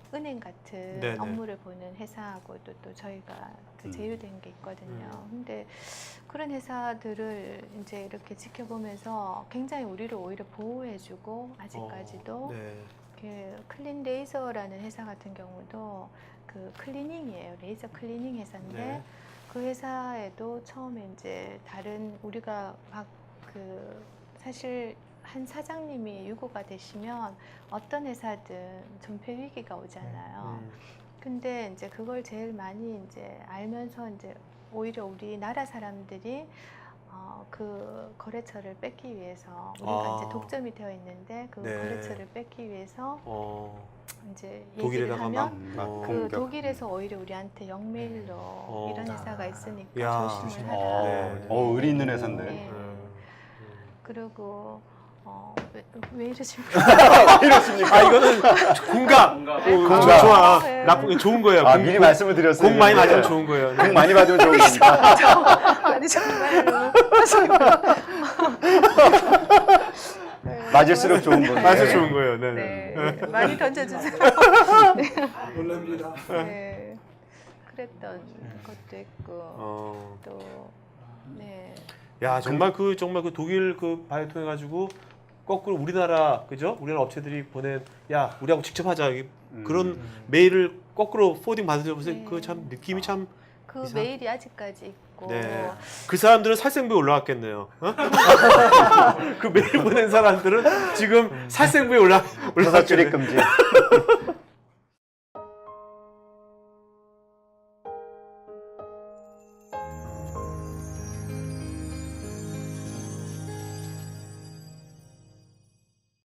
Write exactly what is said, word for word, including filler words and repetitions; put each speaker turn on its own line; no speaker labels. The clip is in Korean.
은행 같은
네네.
업무를 보는 회사하고도 또 저희가 그
음.
제휴된 게 있거든요.
음.
근데 그런 회사들을 이제 이렇게 지켜보면서 굉장히 우리를 오히려 보호해주고 아직까지도
어, 네.
그 클린 레이저라는 회사 같은 경우도 그 클리닝이에요. 레이저 클리닝 회사인데
네.
그 회사에도 처음에 이제 다른 우리가 막 그 사실 한 사장님이 유고가 되시면 어떤 회사든 존폐 위기가 오잖아요.
음.
근데 이제 그걸 제일 많이 이제 알면서 이제 오히려 우리 나라 사람들이 어, 그 거래처를 뺏기 위해서 우리가
아.
이제 독점이 되어 있는데 그
네.
거래처를 뺏기 위해서
어,
이제 얘기를
독일에다가 막
하면
막
어,
그
공격.
독일에서 오히려 우리한테 영메일로
어.
이런 회사가 있으니까
야.
조심을
어,
하라.
네.
어, 의리 있는 회사인데.
네.
음.
그리고 어, 왜, 왜 이러십니까?
이렇습니까?
아 이거는 공감.
공감.
오,
공감.
좋아, 좋아.
네.
나쁜 좋은 거예요.
아,
공-
미리 말씀을 드렸어요.
공 많이
근데.
맞으면 좋은 거예요. 네.
공 많이 받으면 좋은 겁니다.
아니 정말로 네,
맞을수록 좋은
고맙습니다.
거예요.
맞아
네.
좋은 거예요. 네.
네,
네.
많이 던져주세요.
놀랍니다.
네, 그랬던 것도 있고
어.
또 네.
야 정말 그 정말 그 독일 그 바이오 통해 가지고 거꾸로 우리나라 그죠? 우리나라 업체들이 보낸 야 우리하고 직접 하자 이-
음.
그런 메일을 거꾸로 포딩 받으셔서
네.
그 참 느낌이 참
그
이상-
메일이 아직까지 있고
네. 그 사람들은 살생부에 올라왔겠네요. 어? 그 메일 보낸 사람들은 지금 살생부에 올라
회사 출입
올라왔겠네.
금지.